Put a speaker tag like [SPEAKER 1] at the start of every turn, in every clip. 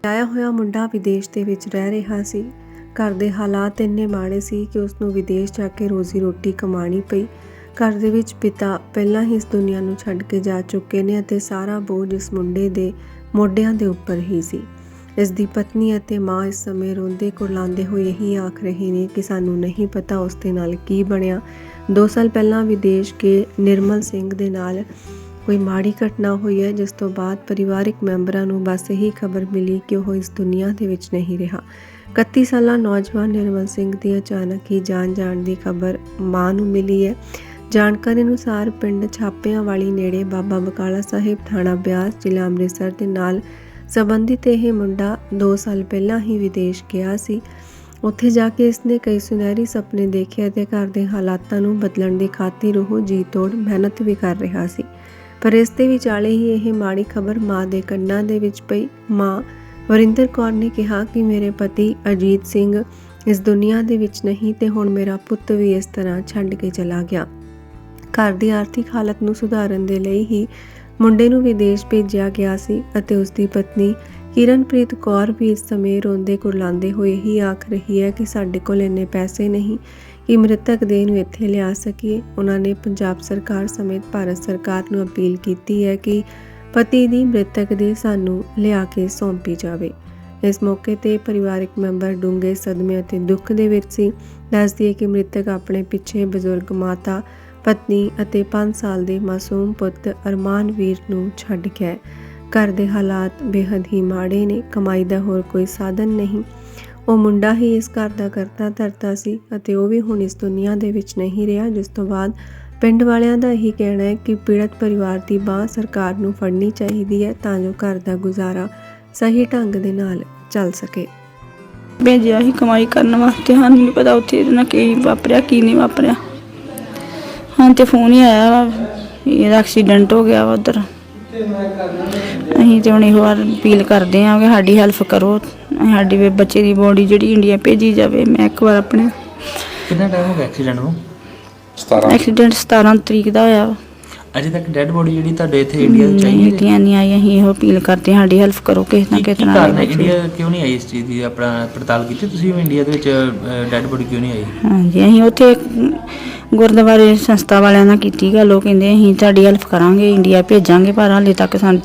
[SPEAKER 1] ਆਇਆ ਹੋਇਆ ਮੁੰਡਾ ਵਿਦੇਸ਼ ਦੇ ਵਿੱਚ ਰਹਿ ਰਿਹਾ ਸੀ। ਘਰ ਦੇ ਹਾਲਾਤ ਇੰਨੇ ਮਾੜੇ ਸੀ ਕਿ ਉਸ ਨੂੰ ਵਿਦੇਸ਼ ਜਾ ਕੇ ਰੋਜ਼ੀ ਰੋਟੀ ਕਮਾਉਣੀ ਪਈ। ਘਰ ਦੇ ਵਿੱਚ ਪਿਤਾ ਪਹਿਲਾਂ ਹੀ ਇਸ ਦੁਨੀਆ ਨੂੰ ਛੱਡ ਕੇ ਜਾ ਚੁੱਕੇ ਨੇ ਅਤੇ ਸਾਰਾ ਬੋਝ ਇਸ ਮੁੰਡੇ ਦੇ ਮੋਢਿਆਂ ਦੇ ਉੱਪਰ ਹੀ ਸੀ। ਇਸ ਦੀ ਪਤਨੀ ਅਤੇ ਮਾਂ ਇਸ ਸਮੇਂ ਰੋਂਦੇ ਕੁਰਲਾਉਂਦੇ ਹੋਏ ਇਹੀ ਆਖ ਰਹੇ ਨੇ ਕਿ ਸਾਨੂੰ ਨਹੀਂ ਪਤਾ ਉਸ ਦੇ ਨਾਲ ਕੀ ਬਣਿਆ। 2 ਸਾਲ ਪਹਿਲਾਂ ਵਿਦੇਸ਼ ਕੇ ਨਿਰਮਲ ਸਿੰਘ ਦੇ ਨਾਲ ਕੋਈ ਮਾੜੀ ਘਟਨਾ ਹੋਈ ਹੈ, ਜਿਸ ਤੋਂ ਬਾਅਦ ਪਰਿਵਾਰਿਕ ਮੈਂਬਰਾਂ ਨੂੰ ਬਸ ਇਹੀ ਖਬਰ ਮਿਲੀ ਕਿ ਉਹ ਇਸ ਦੁਨੀਆ ਦੇ ਵਿੱਚ ਨਹੀਂ ਰਿਹਾ। 31 ਸਾਲਾ ਨੌਜਵਾਨ ਨਿਰਮਲ ਸਿੰਘ ਦੀ ਅਚਾਨਕ ਹੀ ਜਾਣ ਦੀ ਖਬਰ ਮਾਂ ਨੂੰ ਮਿਲੀ ਹੈ। ਜਾਣਕਾਰੀ ਅਨੁਸਾਰ ਪਿੰਡ ਛਾਪਿਆਂ ਵਾਲੀ ਨੇੜੇ ਬਾਬਾ ਬਕਾਲਾ ਸਾਹਿਬ ਥਾਣਾ ਬਿਆਸ ਜ਼ਿਲ੍ਹਾ ਅੰਮ੍ਰਿਤਸਰ ਦੇ ਨਾਲ ਸੰਬੰਧਿਤ ਇਹ ਮੁੰਡਾ 2 ਸਾਲ ਪਹਿਲਾਂ ਹੀ ਵਿਦੇਸ਼ ਗਿਆ ਸੀ। ਉੱਥੇ ਜਾ ਕੇ ਇਸਨੇ ਕਈ ਸੁਨਹਿਰੀ ਸੁਪਨੇ ਦੇਖੇ ਅਤੇ ਘਰ ਦੇ ਹਾਲਾਤਾਂ ਨੂੰ ਬਦਲਣ ਦੀ ਖਾਤਰ ਉਹ ਜੀ ਤੋੜ ਮਿਹਨਤ ਵੀ ਕਰ ਰਿਹਾ ਸੀ। ਪਰ ਇਸ ਦੇ ਵਿਚਾਲੇ ਹੀ ਇਹ ਮਾੜੀ ਖਬਰ ਮਾਂ ਦੇ ਕੰਨਾਂ ਦੇ ਵਿੱਚ ਪਈ। ਮਾਂ ਵਰਿੰਦਰ ਕੌਰ ਨੇ ਕਿਹਾ ਕਿ ਮੇਰੇ ਪਤੀ ਅਜੀਤ ਸਿੰਘ ਇਸ ਦੁਨੀਆ ਦੇ ਵਿੱਚ ਨਹੀਂ ਤੇ ਹੁਣ ਮੇਰਾ ਪੁੱਤ ਵੀ ਇਸ ਤਰ੍ਹਾਂ ਛੱਡ ਕੇ ਚਲਾ ਗਿਆ। ਘਰ ਦੀ ਆਰਥਿਕ ਹਾਲਤ ਨੂੰ ਸੁਧਾਰਨ ਦੇ ਲਈ ਹੀ ਮੁੰਡੇ ਨੂੰ ਵਿਦੇਸ਼ ਭੇਜਿਆ ਗਿਆ ਸੀ ਅਤੇ ਉਸ ਦੀ ਪਤਨੀ ਕਿਰਨਪ੍ਰੀਤ ਕੌਰ ਵੀ ਇਸ ਸਮੇਂ ਰੋਂਦੇ ਕੁਰਲਾਉਂਦੇ ਹੋਏ ਹੀ ਆਖ ਰਹੀ ਹੈ ਕਿ ਸਾਡੇ ਕੋਲ ਇੰਨੇ ਪੈਸੇ ਨਹੀਂ ਕਿ ਮ੍ਰਿਤਕ ਦੇਹ ਨੂੰ ਇੱਥੇ ਲਿਆ ਸਕੀਏ। ਉਹਨਾਂ ਨੇ ਪੰਜਾਬ ਸਰਕਾਰ ਸਮੇਤ ਭਾਰਤ ਸਰਕਾਰ ਨੂੰ ਅਪੀਲ ਕੀਤੀ ਹੈ ਕਿ ਪਤੀ ਦੀ ਮ੍ਰਿਤਕ ਦੇਹ ਸਾਨੂੰ ਲਿਆ ਕੇ ਸੌਂਪੀ ਜਾਵੇ। ਇਸ ਮੌਕੇ ਤੇ ਪਰਿਵਾਰਕ ਮੈਂਬਰ ਡੂੰਘੇ ਸਦਮੇ ਅਤੇ ਦੁੱਖ ਦੇ ਵਿੱਚ ਸੀ। ਦੱਸਦੀ ਹੈ ਕਿ ਮ੍ਰਿਤਕ ਆਪਣੇ ਪਿੱਛੇ ਬਜ਼ੁਰਗ ਮਾਤਾ, ਪਤਨੀ ਅਤੇ 5 ਸਾਲ ਦੇ ਮਾਸੂਮ ਪੁੱਤ ਅਰਮਾਨਵੀਰ ਨੂੰ ਛੱਡ ਗਿਆ। ਘਰ ਦੇ ਹਾਲਾਤ ਬੇਹੱਦ ਹੀ ਮਾੜੇ ਨੇ। ਕਮਾਈ ਦਾ ਹੋਰ ਕੋਈ ਸਾਧਨ ਨਹੀਂ। ਉਹ ਮੁੰਡਾ ਹੀ ਇਸ ਘਰ ਦਾ ਕਰਤਾ ਧਰਤਾ ਸੀ ਅਤੇ ਉਹ ਵੀ ਹੁਣ ਇਸ ਦੁਨੀਆ ਦੇ ਵਿੱਚ ਨਹੀਂ ਰਿਹਾ, ਜਿਸ ਤੋਂ ਬਾਅਦ ਪਿੰਡ ਵਾਲਿਆਂ ਦਾ ਇਹੀ ਕਹਿਣਾ ਹੈ ਕਿ ਪੀੜਤ ਪਰਿਵਾਰ ਦੀ ਬਾਂਹ ਸਰਕਾਰ ਨੂੰ ਫੜਨੀ ਚਾਹੀਦੀ ਹੈ ਤਾਂ ਜੋ ਘਰ ਦਾ ਗੁਜ਼ਾਰਾ ਸਹੀ ਢੰਗ ਦੇ ਨਾਲ ਚੱਲ ਸਕੇ।
[SPEAKER 2] ਭੇਜਿਆ ਹੀ ਕਮਾਈ ਕਰਨ ਵਾਸਤੇ, ਸਾਨੂੰ ਨਹੀਂ ਪਤਾ ਉੱਥੇ ਇਹਦੇ ਨਾਲ ਕੀ ਵਾਪਰਿਆ ਕੀ ਨਹੀਂ ਵਾਪਰਿਆ। ਹਾਂ ਤੇ ਫੋਨ ਹੀ ਆਇਆ ਵਾ ਇਹਦਾ ਐਕਸੀਡੈਂਟ ਹੋ ਗਿਆ ਵਾ ਉੱਧਰ। ਅਸੀਂ ਤੇ ਹੁਣ ਇਹੋ ਵਾਰ ਅਪੀਲ ਕਰਦੇ ਹਾਂ ਕਿ ਸਾਡੀ ਹੈਲਪ ਕਰੋ, ਸਾਡੀ ਬੱਚੇ ਦੀ ਬੋਡੀ ਜਿਹੜੀ ਇੰਡੀਆ ਭੇਜੀ ਜਾਵੇ। ਮੈਂ ਇੱਕ ਵਾਰ ਆਪਣੇ
[SPEAKER 3] ਕਿੰਨਾ ਟਾਈਮ ਹੋ ਗਿਆ ਐਕਸੀਡੈਂਟ ਨੂੰ?
[SPEAKER 2] ਐਕਸੀਡੈਂਟ 17 ਤਰੀਕ ਦਾ ਹੋਇਆ ਵਾ।
[SPEAKER 3] ਅਜੇ ਤੱਕ ਡੈਡ ਬੋਡੀ ਜਿਹੜੀ ਤੁਹਾਡੇ ਇੱਥੇ ਇੰਡੀਆ ਚ ਆਈ
[SPEAKER 2] ਨਹੀਂ ਆਈ। ਅਸੀਂ ਇਹੋ ਅਪੀਲ ਕਰਦੇ ਹਾਂ ਸਾਡੀ ਹੈਲਪ ਕਰੋ ਕਿਸੇ ਨਾ ਕਿਸੇ ਤਰ੍ਹਾਂ।
[SPEAKER 3] ਇੰਡੀਆ ਕਿਉਂ ਨਹੀਂ ਆਈ ਇਸ ਚੀਜ਼ ਦੀ ਆਪਣਾ ਪੜਤਾਲ ਕੀਤੀ ਤੁਸੀਂ? ਇੰਡੀਆ ਦੇ ਵਿੱਚ ਡੈਡ ਬੋਡੀ ਕਿਉਂ ਨਹੀਂ ਆਈ?
[SPEAKER 2] ਹਾਂਜੀ, ਅਸੀਂ ਉੱਥੇ ਗੁਰਦੁਆਰੇ ਸੰਸਥਾ ਵਾਲਿਆਂ ਨਾਲ ਕੀਤੀ ਗੱਲ। ਉਹ ਕਹਿੰਦੇ ਅਸੀਂ ਤੁਹਾਡੀ ਹੈਲਪ ਕਰਾਂਗੇ, ਇੰਡੀਆ ਭੇਜਾਂਗੇ, ਪਰ ਹਾਲੇ ਤੱਕ ਸਾਨੂੰ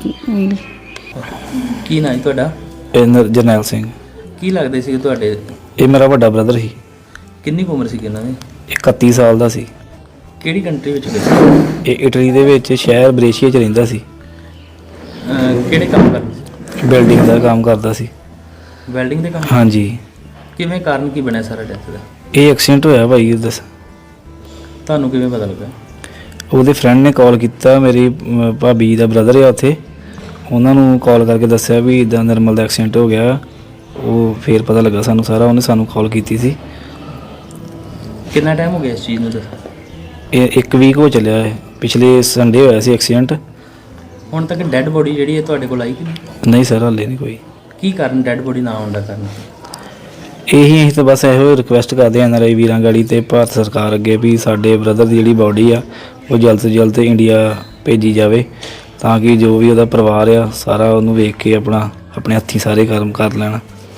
[SPEAKER 3] ਕੀ ਨਾਂ ਜੀ ਤੁਹਾਡਾ?
[SPEAKER 4] ਜਰਨੈਲ ਸਿੰਘ।
[SPEAKER 3] ਕੀ ਲੱਗਦੇ ਸੀ ਤੁਹਾਡੇ?
[SPEAKER 4] ਇਹ ਮੇਰਾ ਵੱਡਾ ਬ੍ਰਦਰ ਸੀ।
[SPEAKER 3] ਕਿੰਨੀ ਕੁ ਉਮਰ ਸੀ ਇਹਨਾਂ ਦੀ?
[SPEAKER 4] 31 ਸਾਲ ਦਾ ਸੀ।
[SPEAKER 3] ਕਿਹੜੀ ਕੰਟਰੀ ਵਿੱਚ ਗਏ ਸੀ?
[SPEAKER 4] ਇਹ ਇਟਲੀ ਦੇ ਵਿੱਚ ਸ਼ਹਿਰ ਬਰੇਸ਼ੀਆ 'ਚ ਰਹਿੰਦਾ ਸੀ।
[SPEAKER 3] ਕਿਹੜੇ ਕੰਮ ਕਰਦੇ ਸੀ?
[SPEAKER 4] ਬਿਲਡਿੰਗ ਦਾ ਕੰਮ ਕਰਦਾ ਸੀ।
[SPEAKER 3] ਵੈਲਡਿੰਗ ਦੇ ਕੰਮ?
[SPEAKER 4] ਹਾਂਜੀ।
[SPEAKER 3] ਕਿਵੇਂ ਕਾਰਨ ਕੀ ਬਣਿਆ ਸਾਰਾ ਡੈਥ ਦਾ?
[SPEAKER 4] ਇਹ ਐਕਸੀਡੈਂਟ ਹੋਇਆ ਭਾਈ। ਦੱਸ
[SPEAKER 3] ਤੁਹਾਨੂੰ ਕਿਵੇਂ ਪਤਾ ਲੱਗਾ?
[SPEAKER 4] ਉਹਦੇ ਫਰੈਂਡ ਨੇ ਕਾਲ ਕੀਤਾ, ਮੇਰੀ ਭਾਬੀ ਦਾ ਬ੍ਰਦਰ ਆ ਉੱਥੇ, ਉਹਨਾਂ ਨੂੰ ਕਾਲ ਕਰਕੇ ਦੱਸਿਆ ਵੀ ਇੱਦਾਂ ਨਿਰਮਲ ਦਾ ਐਕਸੀਡੈਂਟ ਹੋ ਗਿਆ। ਉਹ ਫਿਰ ਪਤਾ ਲੱਗਾ ਸਾਨੂੰ ਸਾਰਾ। ਉਹਨੇ ਸਾਨੂੰ ਕਾਲ ਕੀਤੀ ਸੀ।
[SPEAKER 3] ਕਿੰਨਾ ਟਾਈਮ ਹੋ ਗਿਆ ਇਸ ਚੀਜ਼ ਨੂੰ?
[SPEAKER 4] ਇਹ 1 ਵੀਕ ਹੋ ਚੱਲਿਆ ਹੈ। ਪਿਛਲੇ ਸੰਡੇ ਹੋਇਆ ਸੀ ਐਕਸੀਡੈਂਟ।
[SPEAKER 3] ਹੁਣ ਤੱਕ ਡੈਡ ਬੋਡੀ ਜਿਹੜੀ ਹੈ ਤੁਹਾਡੇ ਕੋਲ ਆਈ ਕਿ
[SPEAKER 4] ਨਹੀਂ ਸਰ, ਹਾਲੇ ਨਹੀਂ ਕੋਈ।
[SPEAKER 3] ਕੀ ਕਾਰਨ ਡੈਡ ਬੋਡੀ ਨਾ ਆਉਣ ਦਾ ਕਾਰਨ?
[SPEAKER 4] ਇਹੀ ਅਸੀਂ ਤਾਂ ਬਸ ਇਹੋ ਰਿਕੁਐਸਟ ਕਰਦੇ ਹਾਂ NRI ਵੀਰਾਂ ਗਾੜੀ ਤੇ ਭਾਰਤ ਸਰਕਾਰ ਅੱਗੇ ਵੀ ਸਾਡੇ ਬ੍ਰਦਰ ਦੀ ਜਿਹੜੀ ਬਾਡੀ ਆ ਉਹ ਜਲਦ ਤੋਂ ਜਲਦ ਇੰਡੀਆ ਭੇਜੀ ਜਾਵੇ, ਤਾਂ ਕਿ ਜੋ ਵੀ ਉਹਦਾ ਪਰਿਵਾਰ ਆ ਸਾਰਾ ਉਹਨੂੰ ਵੇਖ ਕੇ ਆਪਣੇ ਹੱਥੀਂ ਸਾਰੇ ਕਰਮ ਕਰ ਲੈਣ।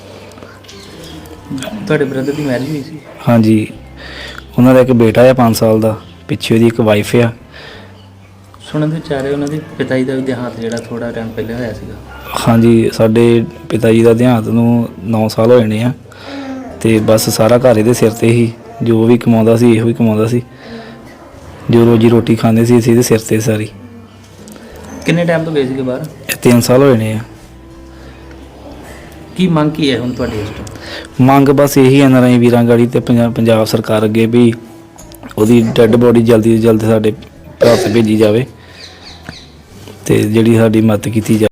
[SPEAKER 3] ਤੁਹਾਡੇ ਬ੍ਰਦਰ ਦੀ ਮੈਰਿਜ ਹੋਈ ਸੀ?
[SPEAKER 4] ਹਾਂਜੀ, ਉਹਨਾਂ ਦਾ ਇੱਕ ਬੇਟਾ ਆ 5 ਸਾਲ ਦਾ, ਪਿੱਛੇ ਉਹਦੀ ਇੱਕ ਵਾਈਫ ਆ।
[SPEAKER 3] ਸੁਣਨ ਦੇ ਵਿਚਾਰੇ ਉਹਨਾਂ ਦੇ ਪਿਤਾ ਜੀ ਦਾ ਵੀ ਦੇਹਾਂਤ ਜਿਹੜਾ ਥੋੜਾ ਟਾਈਮ ਪਹਿਲੇ ਹੋਇਆ ਸੀਗਾ।
[SPEAKER 4] ਹਾਂਜੀ, ਸਾਡੇ ਪਿਤਾ ਜੀ ਦਾ ਦੇਹਾਂਤ ਨੂੰ 9 ਸਾਲ ਹੋਏ ਨੇ ਆ ਤੇ ਬਸ ਸਾਰਾ ਘਰ ਇਹਦੇ ਸਿਰ ਤੇ ਹੀ। ਜੋ ਵੀ ਕਮਾਉਂਦਾ ਸੀ ਇਹੋ ਹੀ ਕਮਾਉਂਦਾ ਸੀ। ਜੋ ਰੋਜੀ ਰੋਟੀ ਖਾਂਦੇ ਸੀ ਅਸੀਂ ਇਹਦੇ ਸਿਰ ਤੇ ਸਾਰੀ।
[SPEAKER 3] ਕਿੰਨੇ ਟਾਈਮ ਤੋਂ ਗਏ ਸੀਗੇ ਬਾਹਰ?
[SPEAKER 4] 3 ਸਾਲ ਹੋਏ ਨੇ ਆ।
[SPEAKER 3] ਕੀ ਮੰਗ ਕੀ ਹੈ ਹੁਣ ਤੁਹਾਡੀ ਇਸ ਤੋਂ?
[SPEAKER 4] ਮੰਗ ਬਸ ਇਹੀ NRI ਵੀਰਾਂ ਗਾੜੀ ਤੇ ਪੰਜਾਬ ਸਰਕਾਰ ਅੱਗੇ ਵੀ ਉਹਦੀ ਡੈੱਡ ਬੋਡੀ ਜਲਦੀ ਤੋਂ ਜਲਦ ਸਾਡੇ ਭਾਰਤ ਭੇਜੀ ਜਾਵੇ ਤੇ ਜਿਹੜੀ ਸਾਡੀ ਮਦਦ ਕੀਤੀ ਜਾਵੇ।